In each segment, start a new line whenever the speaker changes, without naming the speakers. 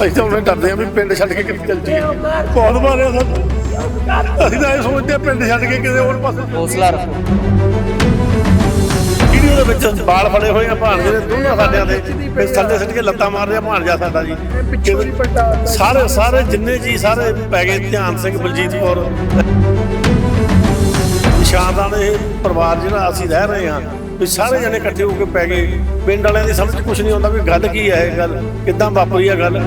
ਅਸੀਂ ਤਾਂ ਉਹਨੇ ਡਰਦੇ ਆ ਵੀ ਪਿੰਡ ਛੱਡ ਕੇ ਕਿੱਥੇ ਚੱਲ ਜਾਈਏ। ਬਹੁਤ ਮਾਰਿਆ ਸਾਨੂੰ। ਅਸੀਂ ਤਾਂ ਇਹ ਸੋਚਦੇ ਆ ਪਿੰਡ ਛੱਡ ਕੇ ਕਿਤੇ ਹੋਰ ਪਾਸੇ
ਹੌਸਲਾ ਰੱਖੋ।
ਵੀਡੀਓ ਦੇ ਵਿੱਚ ਬਾਲ ਫੜੇ ਹੋਏ ਆ ਭਾਣਜੇ ਦੇ ਦੋਨਾਂ ਸਾਡਿਆਂ ਦੇ, ਫਿਰ ਥੱਲੇ ਸਿੱਟ ਕੇ ਲੱਤਾਂ ਮਾਰ ਰਿਹਾ ਭਾਣਜਾ ਸਾਡਾ ਜੀ। ਸਾਰੇ ਜਿੰਨੇ ਜੀ ਸਾਰੇ ਪੈ ਗਏ, ਧਿਆਨ ਸਿੰਘ, ਬਲਜੀਤ ਕੌਰ, ਨਿਸ਼ਾਨਦਾਨ, ਇਹ ਪਰਿਵਾਰ ਜਿਹੜਾ ਅਸੀਂ ਰਹਿ ਰਹੇ ਹਾਂ ਵੀ ਸਾਰੇ ਜਣੇ ਇਕੱਠੇ ਹੋ ਕੇ ਪੈ ਗਏ। ਪਿੰਡ ਵਾਲਿਆਂ ਦੀ ਸਮਝ ਕੁਛ ਨਹੀਂ ਆਉਂਦਾ ਵੀ ਗੱਲ ਕੀ ਹੈ, ਇਹ ਗੱਲ ਕਿੱਦਾਂ ਵਾਪਰੀ ਆ ਗੱਲ।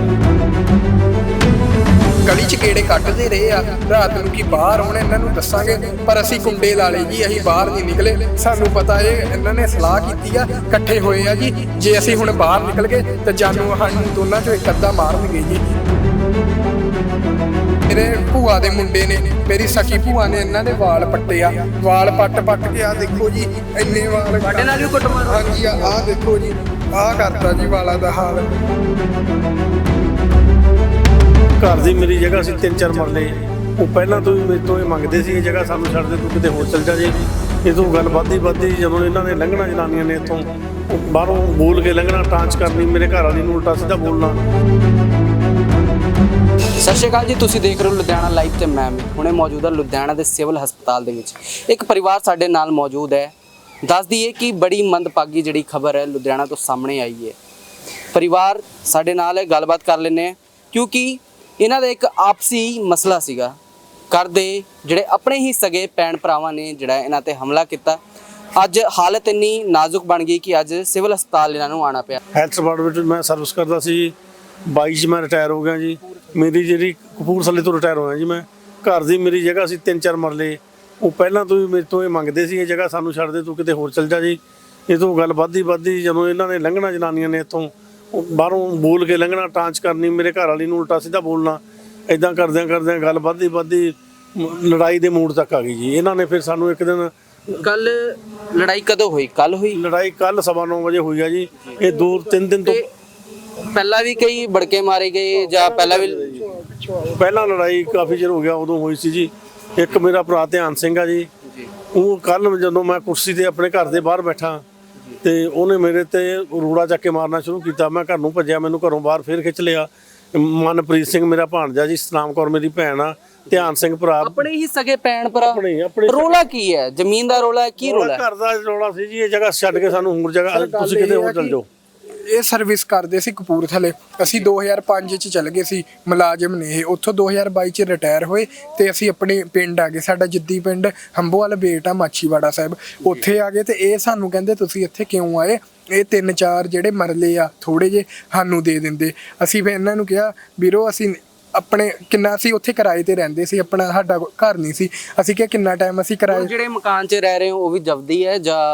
ਗਲੀ 'ਚ ਗੇੜੇ ਕੱਢਦੇ ਰਹੇ ਆ ਰਾਤ ਨੂੰ ਕਿ ਬਾਹਰ ਆਉਣ, ਇਹਨਾਂ ਨੂੰ ਦੱਸਾਂਗੇ, ਪਰ ਅਸੀਂ ਕੁੰਡੇ ਲਾ ਲਏ ਜੀ, ਅਸੀਂ ਬਾਹਰ ਨਹੀਂ ਨਿਕਲੇ। ਸਾਨੂੰ ਪਤਾ ਇਹਨਾਂ ਨੇ ਸਲਾਹ ਕੀਤੀ ਆ, ਇਕੱਠੇ ਹੋਏ ਆ ਜੀ, ਜੇ ਅਸੀਂ ਹੁਣ ਬਾਹਰ ਨਿਕਲ ਗਏ ਤਾਂ ਜਾਨੂੰ ਸਾਨੂੰ ਦੋਨਾਂ 'ਚੋਂ ਇੱਕ ਅੱਧਾ ਮਾਰਨਗੇ ਜੀ। ਮੇਰੇ ਭੂਆ ਦੇ ਮੁੰਡੇ ਨੇ, ਮੇਰੀ ਸਕੀ ਭੂਆ ਨੇ ਇਹਨਾਂ ਦੇ ਵਾਲ ਪੱਟੇ ਆ, ਵਾਲ ਪੱਟ ਕੇ ਆ ਦੇਖੋ ਜੀ, ਇੰਨੇ ਵਾਲ
ਸਾਡੇ ਨਾਲ ਵੀ ਕੁੱਟਮਾਰ।
ਹਾਂਜੀ ਆਹ ਦੇਖੋ ਜੀ, ਆਹ ਕਰਤਾ ਜੀ ਵਾਲਾਂ ਦਾ ਹਾਲ।
ਘਰ ਦੀ ਮੇਰੀ ਜਗ੍ਹਾ ਸੀ 3-4 ਮਰਲੇ, ਉਹ ਪਹਿਲਾਂ ਤੋਂ ਹੀ ਮੇਰੇ ਤੋਂ ਇਹ ਮੰਗਦੇ ਸੀ ਇਹ ਜਗ੍ਹਾ ਸਾਨੂੰ ਛੱਡ ਦੇ, ਤੂੰ ਕਿਤੇ ਹੋਰ ਚੱਲ ਜਾ। ਜੇ ਇਹ ਤੋਂ ਗੱਲ ਵੱਧਦੀ ਜਦੋਂ ਇਹਨਾਂ ਨੇ ਲੰਘਣਾ, ਜਨਾਨੀਆਂ ਨੇ ਇੱਥੋਂ ਬਾਹਰੋਂ ਬੋਲ ਕੇ ਲੰਘਣਾ, ਟਾਂਚ ਕਰਨੀ, ਮੇਰੇ ਘਰ ਵਾਲੀ ਨੂੰ ਉਲਟਾ ਸਿੱਧਾ ਬੋਲਣਾ।
ਸਤਿ ਸ਼੍ਰੀ ਅਕਾਲ ਜੀ, ਤੁਸੀਂ ਦੇਖ ਰਹੇ ਹੋ ਲੁਧਿਆਣਾ ਲਾਈਵ ਤੇ ਮੈਂ ਹੁਣੇ ਮੌਜੂਦ ਹਾਂ ਲੁਧਿਆਣਾ ਦੇ ਸਿਵਲ ਹਸਪਤਾਲ ਦੇ ਵਿੱਚ। ਇੱਕ ਪਰਿਵਾਰ ਸਾਡੇ ਨਾਲ ਮੌਜੂਦ ਹੈ। ਦੱਸ ਦਈਏ ਕਿ ਬੜੀ ਮੰਦਭਾਗੀ ਜਿਹੜੀ ਖਬਰ ਹੈ ਲੁਧਿਆਣਾ ਤੋਂ ਸਾਹਮਣੇ ਆਈ ਹੈ। ਪਰਿਵਾਰ ਸਾਡੇ ਨਾਲ ਹੈ, ਗੱਲਬਾਤ ਕਰ ਲੈਂਦੇ ਹਾਂ, ਕਿਉਂਕਿ ਇਹਨਾਂ ਦਾ ਇੱਕ ਆਪਸੀ ਮਸਲਾ ਸੀਗਾ। ਘਰ ਦੇ ਜਿਹੜੇ ਆਪਣੇ ਹੀ ਸਗੇ ਭੈਣ ਭਰਾਵਾਂ ਨੇ ਜਿਹੜਾ ਇਹਨਾਂ ਤੇ ਹਮਲਾ ਕੀਤਾ। ਅੱਜ ਹਾਲਤ ਇੰਨੀ ਨਾਜ਼ੁਕ ਬਣ ਗਈ ਕਿ ਅੱਜ ਸਿਵਲ ਹਸਪਤਾਲ ਇਹਨਾਂ ਨੂੰ ਆਉਣਾ ਪਿਆ।
ਹੈਲਥ ਡਿਪਾਰਟਮੈਂਟ ਵਿੱਚ ਮੈਂ ਸਰਵਿਸ ਕਰਦਾ ਸੀ, 22 'ਚ ਮੈਂ ਰਿਟਾਇਰ ਹੋ ਗਿਆ ਜੀ। ਮੇਰੀ ਜਿਹੜੀ ਕਪੂਰਥਲੇ ਤੋਂ ਰਿਟਾਇਰ ਹੋਇਆ ਜੀ ਮੈਂ। ਘਰ ਦੀ ਮੇਰੀ ਜਗ੍ਹਾ ਸੀ 3-4 ਮਰਲੇ, ਉਹ ਪਹਿਲਾਂ ਤੋਂ ਹੀ ਮੇਰੇ ਤੋਂ ਇਹ ਮੰਗਦੇ ਸੀ ਇਹ ਜਗ੍ਹਾ ਸਾਨੂੰ ਛੱਡ ਦੇ, ਤੂੰ ਕਿਤੇ ਹੋਰ ਚੱਲ ਜਾ ਜੀ। ਇਹ ਤੋਂ ਗੱਲ ਵੱਧਦੀ ਜਦੋਂ ਇਹਨਾਂ ਨੇ ਲੰਘਣਾ, ਜਨਾਨੀਆਂ ਨੇ ਇੱਥੋਂ ਬਾਹਰੋਂ ਬੋਲ ਕੇ ਲੰਘਣਾ, ਟਾਂਚ ਕਰਨੀ, ਮੇਰੇ ਘਰ ਵਾਲੀ ਨੂੰ ਉਲਟਾ ਸਿੱਧਾ ਬੋਲਣਾ, ਇਦਾਂ ਕਰਦਿਆਂ ਗੱਲ ਵੱਧਦੀ ਲੜਾਈ ਦੇ ਮੂਡ ਤੱਕ ਆ ਗਈ ਜੀ। ਇਹਨਾਂ ਨੇ ਫਿਰ ਸਾਨੂੰ ਇੱਕ ਦਿਨ,
ਕੱਲ ਲੜਾਈ ਕਦੋਂ ਹੋਈ? ਕੱਲ ਹੋਈ
ਲੜਾਈ ਕੱਲ 9:15 ਵਜੇ ਹੋਈ ਆ ਜੀ। ਇਹ 2-3 ਦਿਨ ਤੋਂ
ਪਹਿਲਾਂ ਵੀ ਕਈ ਬੜਕੇ ਮਾਰੇ ਗਏ ਜਾਂ
ਪਹਿਲਾਂ ਲੜਾਈ ਕਾਫੀ ਚਿਰ ਹੋ ਗਿਆ, ਉਦੋਂ ਹੋਈ ਸੀ ਜੀ। ਇੱਕ ਮੇਰਾ ਭਰਾ ਧਿਆਨ ਸਿੰਘ ਆ ਜੀ, ਉਹ ਕੱਲ ਜਦੋਂ ਮੈਂ ਕੁਰਸੀ ਤੇ ਆਪਣੇ ਘਰ ਦੇ ਬਾਹਰ ਬੈਠਾ ਤੇ ਉਹਨੇ ਮੇਰੇ ਤੇ ਰੂੜਾ ਚੱਕ ਕੇ ਮਾਰਨਾ ਸ਼ੁਰੂ ਕੀਤਾ। ਮੈਂ ਘਰ ਨੂੰ ਭੱਜਿਆ, ਮੈਨੂੰ ਘਰੋਂ ਬਾਹਰ ਫੇਰ ਖਿੱਚ ਲਿਆ। ਮਨਪ੍ਰੀਤ ਸਿੰਘ ਮੇਰਾ ਭਾਣਜਾ ਜੀ, ਸਤਨਾਮ ਕੌਰ ਮੇਰੀ ਭੈਣ ਆ, ਧਿਆਨ ਸਿੰਘ ਭਰਾ,
ਆਪਣੇ ਹੀ ਸਗੇ ਭੈਣ ਭਰਾ।
ਆਪਣੇ
ਰੋਲਾ ਕੀ ਹੈ? ਜ਼ਮੀਨ ਦਾ ਰੋਲਾ ਹੈ? ਕੀ ਰੋਲਾ ਹੈ?
ਘਰ ਦਾ ਰੋਲਾ ਸੀ ਜੀ। ਇਹ ਜਗ੍ਹਾ ਛੱਡ ਕੇ ਸਾਨੂੰ ਹੋਰ ਜਗ੍ਹਾ, ਤੁਸੀਂ ਕਿਤੇ ਹੋਰ ਚੱਲ ਜਾਓ।
ਇਹ ਸਰਵਿਸ ਕਰਦੇ ਸੀ ਕਪੂਰਥਲੇ, ਅਸੀਂ 2005 ਚ ਚੱਲ ਗਏ ਸੀ, ਮੁਲਾਜ਼ਮ ਨੇ ਇਹ। ਉੱਥੋਂ 2022 ਚ ਰਿਟਾਇਰ ਹੋਏ ਤੇ ਅਸੀਂ ਆਪਣੇ ਪਿੰਡ ਆ ਗਏ, ਸਾਡਾ ਜਿੱਦੀ ਪਿੰਡ ਹੰਬੋਵਾਲ ਬੇਟਾ ਮਾਛੀਵਾੜਾ ਸਾਹਿਬ, ਉੱਥੇ ਆ ਗਏ। ਤੇ ਇਹ ਸਾਨੂੰ ਕਹਿੰਦੇ ਤੁਸੀਂ ਇੱਥੇ ਕਿਉਂ ਆਏ? ਇਹ 3-4 ਜਿਹੜੇ ਮਰਲੇ ਆ ਥੋੜੇ ਜੇ ਸਾਨੂੰ ਦੇ ਦਿੰਦੇ। ਅਸੀਂ ਫਿਰ ਇਹਨਾਂ ਨੂੰ ਕਿਹਾ ਵੀਰੋ ਅਸੀਂ ਆਪਣੇ ਕਿੰਨਾ ਸੀ ਉੱਥੇ ਕਿਰਾਏ ਤੇ ਰਹਿੰਦੇ ਸੀ, ਆਪਣਾ ਸਾਡਾ ਘਰ ਨਹੀਂ ਸੀ। ਅਸੀਂ ਕਿਹਾ ਕਿੰਨਾ ਟਾਈਮ ਅਸੀਂ ਕਿਰਾਏ,
ਜਿਹੜੇ ਮਕਾਨ 'ਚ ਰਹਿ ਰਹੇ ਹੋ ਉਹ ਵੀ ਜਬਦੀ ਹੈ ਜਾਂ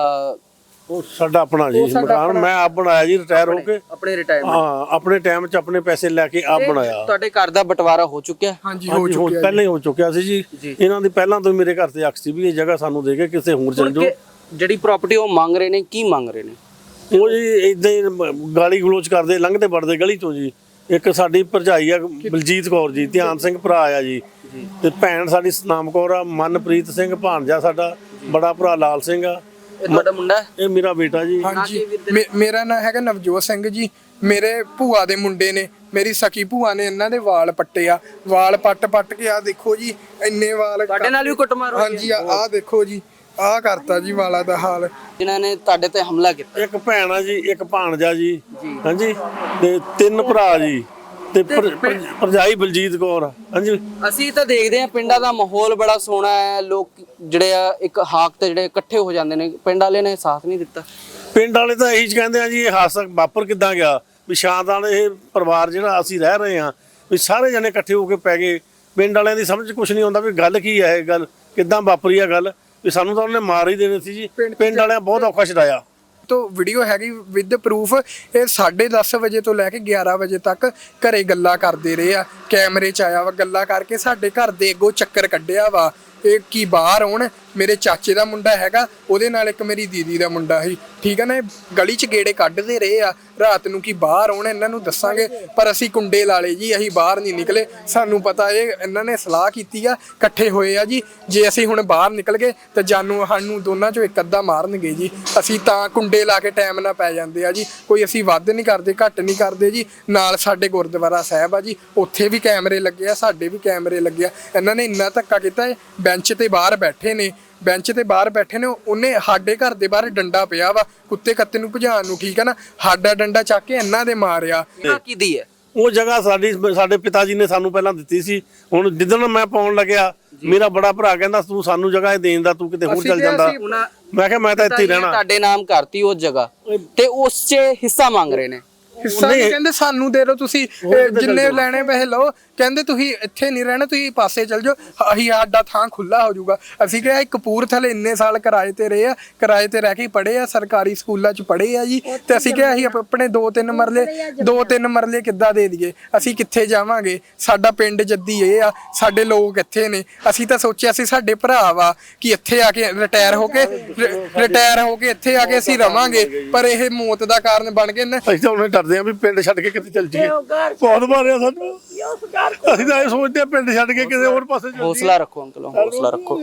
ਉਹ ਸਾਡਾ ਆਪਣਾ ਜੀ ਮਕਾਨ? ਮੈਂ ਆਪ ਬਣਾਇਆ ਜੀ, ਰਿਟਾਇਰ ਹੋ ਕੇ।
ਆਪਣੇ ਰਿਟਾਇਰਮੈਂਟ?
ਹਾਂ, ਆਪਣੇ ਟਾਈਮ 'ਚ ਆਪਣੇ ਪੈਸੇ ਲੈ ਕੇ ਆਪ ਬਣਾਇਆ।
ਤੁਹਾਡੇ ਘਰ ਦਾ ਬਟਵਾਰਾ ਹੋ ਚੁੱਕਿਆ?
ਹਾਂਜੀ ਹੋ ਚੁੱਕਿਆ,
ਪਹਿਲਾਂ ਹੀ ਹੋ ਚੁੱਕਿਆ ਸੀ ਜੀ। ਇਹਨਾਂ ਦੀ ਪਹਿਲਾਂ ਤੋਂ ਮੇਰੇ ਘਰ ਤੇ ਅਕਸ ਸੀ ਵੀ ਇਹ ਜਗ੍ਹਾ ਸਾਨੂੰ ਦੇ ਕੇ ਕਿਸੇ ਹੋਰ ਚੱਲ ਜਾਓ।
ਜਿਹੜੀ ਪ੍ਰਾਪਰਟੀ ਉਹ ਮੰਗ ਰਹੇ ਨੇ, ਕੀ ਮੰਗ ਰਹੇ ਨੇ
ਉਹ ਜੀ? ਇਦਾਂ ਹੀ ਗਾਲੀ ਗਲੋਚ ਕਰਦੇ, ਲੰਘਦੇ ਵੜਦੇ ਗਲੀ ਤੋਂ ਜੀ। ਇੱਕ ਸਾਡੀ ਭਰਜਾਈ ਆ ਬਲਜੀਤ ਕੌਰ ਜੀ, ਧਿਆਨ ਸਿੰਘ ਭਰਾ ਆ ਜੀ, ਤੇ ਭੈਣ ਸਾਡੀ ਸਤਨਾਮ ਕੌਰ ਆ, ਮਨਪ੍ਰੀਤ ਸਿੰਘ ਭਾਣਜਾ ਸਾਡਾ, ਬੜਾ ਭਰਾ ਲਾਲ ਸਿੰਘ ਆ।
ਇਹ ਤੁਹਾਡਾ ਮੁੰਡਾ?
ਇਹ ਮੇਰਾ ਬੇਟਾ ਜੀ।
ਹਾਂਜੀ ਮੇਰਾ ਨਾਂ ਹੈਗਾ ਨਵਜੋਤ ਸਿੰਘ ਜੀ। ਮੇਰੇ ਭੂਆ ਦੇ ਮੁੰਡੇ ਨੇ, ਮੇਰੀ ਸਕੀ ਭੂਆ ਨੇ ਇਹਨਾਂ ਦੇ ਵਾਲ ਪੱਟੇ ਆ, ਵਾਲ ਪੱਟ ਕੇ ਆ ਦੇਖੋ ਜੀ, ਇੰਨੇ ਵਾਲ।
ਤੁਹਾਡੇ ਨਾਲ ਵੀ ਕੁੱਟਮਾਰ ਹੋਈ?
ਹਾਂਜੀ ਆਹ ਦੇਖੋ ਜੀ, ਆਹ ਕਰਤਾ ਜੀ ਵਾਲਾਂ ਦਾ ਹਾਲ।
ਜਿਨ੍ਹਾਂ ਨੇ ਤੁਹਾਡੇ ਤੇ ਹਮਲਾ ਕੀਤਾ?
ਇੱਕ ਭੈਣ ਆ ਜੀ, ਇੱਕ ਭਾਣਜਾ ਜੀ, ਹਾਂਜੀ, ਤੇ 3 ਭਰਾ ਜੀ, ਤੇ ਭਰਜਾਈ ਬਲਜੀਤ ਕੌਰ। ਹਾਂਜੀ,
ਅਸੀਂ ਤਾਂ ਦੇਖਦੇ ਹਾਂ ਪਿੰਡਾਂ ਦਾ ਮਾਹੌਲ ਬੜਾ ਸੋਹਣਾ ਹੈ, ਲੋਕ ਜਿਹੜੇ ਆ ਇੱਕ ਹਾਕ ਤੇ ਜਿਹੜੇ ਇਕੱਠੇ ਹੋ ਜਾਂਦੇ ਨੇ। ਪਿੰਡ ਵਾਲੇ ਨੇ ਸਾਥ ਨਹੀਂ ਦਿੱਤਾ।
ਪਿੰਡ ਵਾਲੇ ਤਾਂ ਇਹੀ ਕਹਿੰਦੇ ਆ ਜੀ ਇਹ ਹਾਦਸਾ ਵਾਪਰ ਕਿੱਦਾਂ ਗਿਆ, ਵੀ ਸ਼ਾਨਦਾਰ ਇਹ ਪਰਿਵਾਰ ਜਿਹੜਾ ਅਸੀਂ ਰਹਿ ਰਹੇ ਹਾਂ ਵੀ ਸਾਰੇ ਜਣੇ ਇਕੱਠੇ ਹੋ ਕੇ ਪੈ ਗਏ। ਪਿੰਡ ਵਾਲਿਆਂ ਦੀ ਸਮਝ ਕੁਛ ਨਹੀਂ ਆਉਂਦਾ ਵੀ ਗੱਲ ਕੀ ਹੈ, ਇਹ ਗੱਲ ਕਿੱਦਾਂ ਵਾਪਰੀ ਆ ਗੱਲ, ਵੀ ਸਾਨੂੰ ਤਾਂ ਉਹਨੇ ਮਾਰ ਹੀ ਦੇਣੀ ਸੀ ਜੀ। ਪਿੰਡ ਵਾਲਿਆਂ ਬਹੁਤ ਔਖਾ ਛਡਾਇਆ।
ਤੋਂ ਵੀਡੀਓ ਹੈਗੀ ਵਿਦ ਪ੍ਰੂਫ। ਇਹ 10:30 ਵਜੇ ਤੋਂ ਲੈ ਕੇ 11 ਵਜੇ ਤੱਕ ਘਰੇ ਗੱਲਾਂ ਕਰਦੇ ਰਹੇ ਆ, ਕੈਮਰੇ 'ਚ ਆਇਆ ਵਾ, ਗੱਲਾਂ ਕਰਕੇ ਸਾਡੇ ਘਰ ਦੇ ਅੱਗੋਂ ਚੱਕਰ ਕੱਢਿਆ ਵਾ। ਇਹ ਕੀ ਬਾਹਰ ਆਉਣ, ਮੇਰੇ ਚਾਚੇ ਦਾ ਮੁੰਡਾ ਹੈਗਾ, ਉਹਦੇ ਨਾਲ ਇੱਕ ਮੇਰੀ ਦੀਦੀ ਦਾ ਮੁੰਡਾ ਸੀ, ਠੀਕ ਹੈ ਨਾ। ਗਲੀ 'ਚ ਗੇੜੇ ਕੱਢਦੇ ਰਹੇ ਆ ਰਾਤ ਨੂੰ ਕੀ ਬਾਹਰ ਆਉਣ, ਇਹਨਾਂ ਨੂੰ ਦੱਸਾਂਗੇ। ਪਰ ਅਸੀਂ ਕੁੰਡੇ ਲਾ ਲਏ ਜੀ, ਅਸੀਂ ਬਾਹਰ ਨਹੀਂ ਨਿਕਲੇ। ਸਾਨੂੰ ਪਤਾ ਇਹ ਇਹਨਾਂ ਨੇ ਸਲਾਹ ਕੀਤੀ ਆ, ਇਕੱਠੇ ਹੋਏ ਆ ਜੀ। ਜੇ ਅਸੀਂ ਹੁਣ ਬਾਹਰ ਨਿਕਲ ਗਏ ਤਾਂ ਜਾਨੂੰ ਸਾਨੂੰ ਦੋਨਾਂ ਚੋਂ ਇੱਕ ਅੱਧਾ ਮਾਰਨਗੇ ਜੀ। ਅਸੀਂ ਤਾਂ ਕੁੰਡੇ ਲਾ ਕੇ ਟਾਈਮ ਨਾਲ ਪੈ ਜਾਂਦੇ ਆ ਜੀ। ਕੋਈ ਅਸੀਂ ਵੱਧ ਨਹੀਂ ਕਰਦੇ, ਘੱਟ ਨਹੀਂ ਕਰਦੇ ਜੀ। ਨਾਲ ਸਾਡੇ ਗੁਰਦੁਆਰਾ ਸਾਹਿਬ ਆ ਜੀ, ਉੱਥੇ ਵੀ ਕੈਮਰੇ ਲੱਗੇ ਆ, ਸਾਡੇ ਵੀ ਕੈਮਰੇ ਲੱਗੇ ਆ। ਇਹਨਾਂ ਨੇ ਇੰਨਾ ਧੱਕਾ ਕੀਤਾ, ਬੈਂਚ ਤੇ ਬਾਹਰ ਬੈਠੇ ਨੇ, ਬੈਂਚ ਤੇ ਬਾਹਰ ਬੈਠੇ ਨੇ। ਉਹਨੇ ਸਾਡੇ ਘਰ ਦੇ ਬਾਹਰ ਡੰਡਾ ਪਿਆ ਵਾ ਕੁੱਤੇ ਕੱਤੇ ਨੂੰ ਭਜਾਉਣ ਨੂੰ, ਠੀਕ ਹੈ ਨਾ। ਸਾਡਾ ਡੰਡਾ ਚੱਕ ਕੇ ਇਹਨਾਂ ਦੇ ਮਾਰਿਆ।
ਕਿਹਦੀ ਹੈ
ਉਹ ਜਗ੍ਹਾ ਸਾਡੇ ਪਿਤਾ ਜੀ ਨੇ ਸਾਨੂੰ ਪਹਿਲਾਂ ਦਿੱਤੀ ਸੀ। ਹੁਣ ਜਿੱਦਣ ਮੈਂ ਪਾਉਣ ਲੱਗਿਆ, ਮੇਰਾ ਬੜਾ ਭਰਾ ਕਹਿੰਦਾ ਤੂੰ ਸਾਨੂੰ ਜਗ੍ਹਾ ਦੇਣ ਦਾ, ਤੂੰ ਕਿਤੇ ਹੋਰ ਚੱਲ ਜਾਂਦਾ। ਮੈਂ ਕਿਹਾ ਮੈਂ ਤਾਂ ਇੱਥੇ ਹੀ ਰਹਿਣਾ।
ਤੁਹਾਡੇ ਨਾਮ ਕਰਤੀ ਉਸ ਜਗ੍ਹਾ ਤੇ ਉਸ 'ਚ ਹਿੱਸਾ ਮੰਗ ਰਹੇ ਨੇ।
ਹਿੱਸਾ ਨਹੀਂ ਕਹਿੰਦੇ ਸਾਨੂੰ ਦੇ ਦਿਓ, ਤੁਸੀਂ ਜਿੰਨੇ ਲੈਣੇ ਪੈਸੇ ਲਓ। ਕਹਿੰਦੇ ਤੁਸੀਂ ਇੱਥੇ ਨਹੀਂ ਰਹਿਣਾ, ਤੁਸੀਂ ਪਾਸੇ ਚੱਲ ਜਾਓ, ਅਸੀਂ ਸਾਡਾ ਥਾਂ ਖੁੱਲਾ ਹੋ ਜਾਊਗਾ। ਅਸੀਂ ਕਿਹਾ ਕਪੂਰਥਲੇ ਇੰਨੇ ਸਾਲ ਕਿਰਾਏ ਤੇ ਰਹੇ ਆ, ਕਿਰਾਏ ਤੇ ਰਹਿ ਕੇ ਪੜ੍ਹੇ ਆ, ਸਰਕਾਰੀ ਸਕੂਲਾਂ 'ਚ ਪੜ੍ਹੇ ਆ ਜੀ। ਤੇ ਅਸੀਂ ਕਿਹਾ ਅਸੀਂ ਆਪਣੇ 2-3 ਮਰਲੇ ਕਿੱਦਾਂ ਦੇ ਦਈਏ, ਅਸੀਂ ਕਿੱਥੇ ਜਾਵਾਂਗੇ। ਸਾਡਾ ਪਿੰਡ ਜੱਦੀ ਇਹ ਆ, ਸਾਡੇ ਲੋਕ ਇੱਥੇ ਨੇ। ਅਸੀਂ ਤਾਂ ਸੋਚਿਆ ਸੀ ਸਾਡੇ ਭਰਾ ਵਾ ਕਿ ਇੱਥੇ ਆ ਕੇ ਰਿਟਾਇਰ ਹੋ ਕੇ ਇੱਥੇ ਆ ਕੇ ਅਸੀਂ ਰਵਾਂਗੇ, ਪਰ ਇਹ ਮੌਤ ਦਾ ਕਾਰਨ ਬਣ ਗਏ ਨੇ।
ਅਸੀਂ ਤਾਂ ਉਹਨੇ ਡਰਦੇ ਆ ਵੀ ਪਿੰਡ ਛੱਡ ਕੇ ਕਿਤੇ ਚੱਲ ਜਾਈਏ। ਬਹੁਤ ਮਾਰਿਆ ਸਾਨੂੰ, ਅਸੀਂ ਤਾਂ ਇਹ ਸੋਚਦੇ ਆ ਪਿੰਡ ਛੱਡ ਕੇ ਕਿਸੇ ਹੋਰ ਪਾਸੇ ਚੱਲ
ਹੌਸਲਾ ਰੱਖੋ ਅੰਕਲ, ਹੌਸਲਾ ਰੱਖੋ।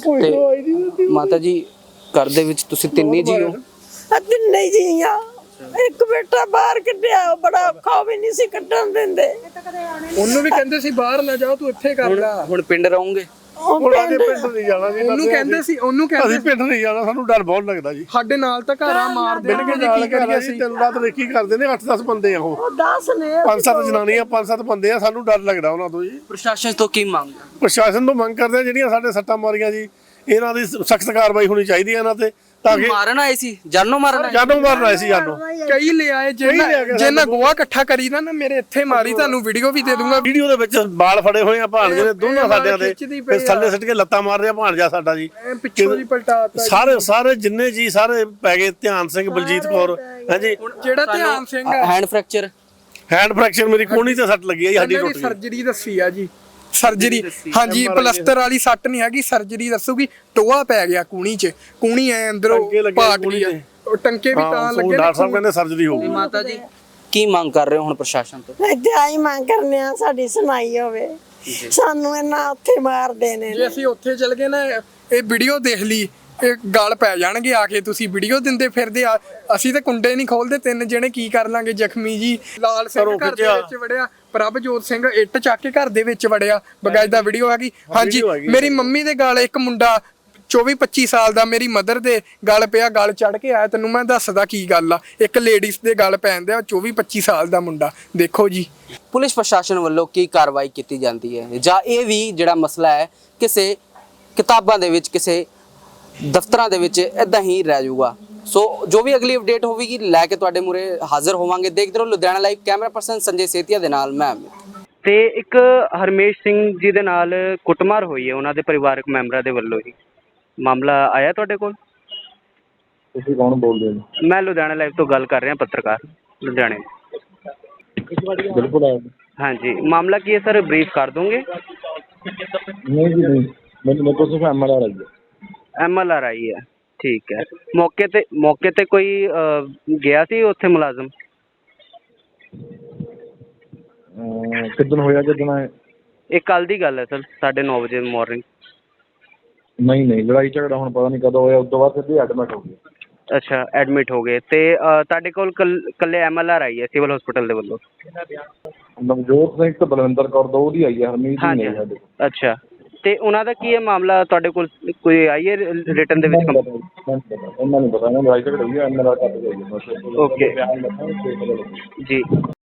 ਤੇ ਮਾਤਾ ਜੀ ਘਰ ਦੇ ਵਿੱਚ ਤੁਸੀਂ ਤਿੰਨੇ ਜੀ ਹੋ?
ਤਿੰਨੇ ਜੀ ਆ। ਇੱਕ ਬੇਟਾ ਬਾਹਰ ਕੱਢਿਆ, ਬੜਾ ਔਖਾ, ਵੀ ਨਹੀਂ ਸੀ ਕੱਢਣ ਦਿੰਦੇ।
ਉਹਨੂੰ ਵੀ ਕਹਿੰਦੇ ਸੀ ਬਾਹਰ ਨਾ ਜਾਓ, ਤੂੰ ਇੱਥੇ ਕਰ ਲੈ।
ਹੁਣ ਪਿੰਡ ਰਹੋਗੇ?
ਹੁਣ ਅਸੀਂ ਪਿੰਡ ਨਹੀਂ ਜਾਣਾ ਜੀ।
ਉਹਨੂੰ ਕਹਿੰਦੇ ਸੀ
ਅਸੀਂ ਪਿੰਡ ਨਹੀਂ ਜਾਣਾ, ਸਾਨੂੰ ਡਰ ਬਹੁਤ ਲੱਗਦਾ ਜੀ।
ਸਾਡੇ ਨਾਲ ਤਾਂ ਘਰਾਂ ਮਾਰ ਦੇਣਗੇ ਜੀ, ਕੀ ਕਰੀਏ ਅਸੀਂ।
ਤਿੰਨ ਰਾਤ ਕੀ ਕਰਦੇ ਨੇ, 8-10 ਬੰਦੇ ਆ ਉਹ,
10 ਨੇ,
5-7 ਜਨਾਨੀਆਂ, 5-7 ਬੰਦੇ ਆ। ਸਾਨੂੰ ਡਰ ਲੱਗਦਾ ਉਹਨਾਂ ਤੋਂ ਜੀ।
ਪ੍ਰਸ਼ਾਸਨ ਤੋਂ ਕੀ ਮੰਗ?
ਪ੍ਰਸ਼ਾਸਨ ਤੋਂ ਮੰਗ ਕਰਦੇ ਆ ਜਿਹੜੀਆਂ ਸਾਡੇ ਸੱਟਾਂ ਮਾਰੀਆਂ ਜੀ, ਇਹਨਾਂ ਦੀ ਸਖਤ ਕਾਰਵਾਈ ਹੋਣੀ ਚਾਹੀਦੀ ਹੈ ਇਹਨਾਂ ਤੇ, ਤਾਂ ਕਿ
ਮਾਰਨ ਆਏ ਸੀ, ਜਾਨੋਂ ਮਾਰਨ ਆਏ?
ਜਾਨੋਂ ਮਾਰਨ ਆਏ ਸੀ। ਜਾਨੋਂ
ਕਈ ਲਿਆਏ, ਜਿਹਨਾਂ ਗੋਆ ਇਕੱਠਾ ਕਰੀ ਨਾ ਮੇਰੇ ਇੱਥੇ ਮਾਰੀ। ਤੁਹਾਨੂੰ ਵੀਡੀਓ ਵੀ ਦੇ ਦੂੰਗਾ।
ਵੀਡੀਓ ਦੇ ਵਿੱਚ ਬਾਲ ਫੜੇ ਹੋਏ ਆ ਭਾਣਜੇ ਦੇ, ਦੋਨਾਂ ਸਾਡਿਆਂ ਦੇ, ਫਿਰ ਥੱਲੇ ਸਿੱਟ ਕੇ ਲੱਤਾਂ ਮਾਰ ਰਿਹਾ ਭਾਣਜਾ ਸਾਡਾ ਜੀ।
ਪਿੱਛੋਂ ਦੀ ਪਲਟਾਤਾ
ਸਾਰੇ ਜਿੰਨੇ ਜੀ ਸਾਰੇ ਪੈ ਗਏ। ਧਿਆਨ ਸਿੰਘ, ਬਲਜੀਤ ਕੌਰ, ਹਾਂਜੀ।
ਜਿਹੜਾ ਧਿਆਨ ਸਿੰਘ
ਹੈਂਡ ਫ੍ਰੈਕਚਰ
ਮੇਰੀ ਕੋਹਣੀ ਤੇ ਸੱਟ ਲੱਗੀ ਆ ਜੀ, ਹੱਡੀ ਟੁੱਟ ਗਈ।
ਸਰਜਰੀ ਦੱਸੀ ਆ ਜੀ, ਸਰਜਰੀ। ਹਾਂਜੀ, ਪਲਸਤਰ ਵਾਲੀ ਸੱਟ ਨਹੀਂ ਹੈਗੀ, ਸਰਜਰੀ ਦੱਸੂਗੀ। ਟੋਆ ਪੈ ਗਿਆ ਕੂਣੀ 'ਚ, ਕੂਣੀ ਐ ਅੰਦਰੋਂ ਪਾਟ ਗਈ ਆ। ਟੰਕੇ ਵੀ ਤਾਂ ਲੱਗੇ।
ਡਾਕਟਰ ਸਾਹਿਬ ਕਹਿੰਦੇ ਸਰਜਰੀ ਹੋਊਗੀ।
ਮਾਤਾ ਜੀ ਕੀ ਮੰਗ ਕਰ ਰਹੇ ਹੋ ਹੁਣ ਪ੍ਰਸ਼ਾਸਨ ਤੋਂ?
ਇੱਥੇ ਆਈ ਮੰਗ ਕਰਨੇ ਆ, ਸਾਡੀ ਸੁਣਾਈ ਹੋਵੇ। ਸਾਨੂੰ ਇਹਨਾਂ ਉੱਥੇ ਮਾਰਦੇ ਨੇ।
ਜੇ ਅਸੀਂ ਉੱਥੇ ਚਲ ਗਏ ਨਾ, ਇਹ ਵੀਡੀਓ ਦੇਖ ਲਈ, ਇਹ ਗੱਲ ਪੈ ਜਾਣਗੇ ਆ ਕੇ। ਤੁਸੀਂ ਵੀਡੀਓ ਦਿੰਦੇ ਫਿਰਦੇ ਆ, ਅਸੀਂ ਤਾਂ ਕੁੰਡੇ ਨਹੀਂ ਖੋਲਦੇ। 3 ਜਣੇ ਕੀ ਕਰ ਲਾਂਗੇ ਜ਼ਖਮੀ ਜੀ। ਲਾਲ ਸਿੰਘ ਘਰ ਦੇ ਵਿੱਚ ਵੜਿਆ, ਪ੍ਰਭਜੋਤ ਸਿੰਘ ਇੱਟ ਚੱਕ ਕੇ ਘਰ ਦੇ ਵਿੱਚ ਵੜਿਆ। ਬਕਾਇਦਾ ਵੀਡੀਓ ਹੈਗੀ। ਹਾਂਜੀ, ਮੇਰੀ ਮੰਮੀ ਦੇ ਗਲ ਇੱਕ ਮੁੰਡਾ 24-25 ਸਾਲ ਦਾ ਮੇਰੀ ਮਦਰ ਦੇ ਗਲ ਪਿਆ, ਗਲ ਚੜ ਕੇ ਆਇਆ। ਤੈਨੂੰ ਮੈਂ ਦੱਸਦਾ ਕੀ ਗੱਲ ਆ। ਇੱਕ ਲੇਡੀਜ਼ ਦੇ ਗਲ ਪੈਂਦੇ ਆ, 24-25 ਸਾਲ ਦਾ ਮੁੰਡਾ। ਦੇਖੋ ਜੀ,
ਪੁਲਿਸ ਪ੍ਰਸ਼ਾਸਨ ਵੱਲੋਂ ਕੀ ਕਾਰਵਾਈ ਕੀਤੀ ਜਾਂਦੀ ਹੈ, ਜਾਂ ਇਹ ਵੀ ਜਿਹੜਾ ਮਸਲਾ ਹੈ ਕਿਸੇ ਕਿਤਾਬਾਂ ਦੇ ਵਿੱਚ, ਕਿਸੇ ਦਫ਼ਤਰਾਂ ਦੇ ਵਿੱਚ ਇਦਾਂ ਹੀ ਰਹਿ ਜਾਊਗਾ। ਸੋ ਜੋ ਵੀ ਅਗਲੀ ਅਪਡੇਟ ਹੋਵੇਗੀ ਲੈ ਕੇ ਤੁਹਾਡੇ ਮੂਹਰੇ ਹਾਜ਼ਰ ਹੋਵਾਂਗੇ। ਦੇਖਦੇ ਰਹੋ Ludhiana live. Camera person Sanjay Setia ਦੇ ਨਾਲ ਮੈਂ। ਤੇ ਇੱਕ ਹਰਮੇਸ਼ ਸਿੰਘ ਜੀ ਦੇ ਨਾਲ ਕੁੱਟਮਾਰ ਹੋਈ ਹੈ ਉਹਨਾਂ ਦੇ ਪਰਿਵਾਰਕ ਮੈਂਬਰਾਂ ਦੇ ਵੱਲੋਂ ਹੀ। ਮਾਮਲਾ ਆਇਆ ਤੁਹਾਡੇ ਕੋਲ?
ਤੁਸੀਂ ਕੌਣ ਬੋਲਦੇ ਹੋ?
ਮੈਂ ਲੁਧਿਆਣਾ ਲਾਈਵ ਤੋਂ ਗੱਲ ਕਰ ਰਿਹਾ, ਪੱਤਰਕਾਰ ਲੁਧਿਆਣੇ।
ਬਿਲਕੁਲ ਆਇਆ।
ਹਾਂਜੀ, ਮਾਮਲਾ ਕੀ ਹੈ ਸਰ, ਬਰੀਫ ਕਰ ਦੋਗੇ?
ਨਹੀਂ ਜੀ ਨਹੀਂ, ਮੇਰੇ ਕੋਲ ਸਿਰਫ MLR ਆਈ ਹੈ।
MLR ਆਈ ਹੈ, ਠੀਕ ਹੈ। ਮੌਕੇ ਤੇ ਕੋਈ ਗਿਆ ਸੀ ਉੱਥੇ ਮੁਲਾਜ਼ਮ?
ਕਿੱਦਣ ਹੋਇਆ? ਜਦੋਂ
ਇਹ ਕੱਲ ਦੀ ਗੱਲ ਹੈ ਸਰ, 9:30 ਵਜੇ ਮਾਰਨਿੰਗ।
ਨਹੀਂ, ਲੜਾਈ ਝਗੜਾ ਹੁਣ ਪਤਾ ਨਹੀਂ ਕਦੋਂ ਹੋਇਆ। ਉਸ ਤੋਂ ਬਾਅਦ ਸਿੱਧੇ ਐਡਮਿਟ ਹੋ ਗਏ।
ਅੱਛਾ, ਐਡਮਿਟ ਹੋ ਗਏ। ਤੇ ਤੁਹਾਡੇ ਕੋਲ ਕੱਲੇ MLR ਆਈ ਹੈ ਸਿਵਲ ਹਸਪੀਟਲ ਦੇ ਵੱਲੋਂ?
ਨਵਜੋਤ ਸਿੰਘ ਤੇ ਬਲਵਿੰਦਰ ਕੌਰ ਦੋ ਦੀ ਆਈ ਹੈ, ਹਰਮੀਤ ਨਹੀਂ ਆਈ ਸਾਡੇ ਕੋਲ।
ਅੱਛਾ, ਤੇ ਉਹਨਾਂ ਦਾ ਕੀ ਹੈ ਮਾਮਲਾ? ਤੁਹਾਡੇ ਕੋਲ ਕੋਈ ਆਈ ਹੈ ਰਿਟਨ ਦੇ ਵਿੱਚ?
ਉਹਨਾਂ ਨੂੰ ਪਤਾ, ਲੜਾਈ ਝਗੜਾ ਹੋਈ ਹੈ, MLR ਕੱਟ ਗਈ।
ਓਕੇ ਜੀ।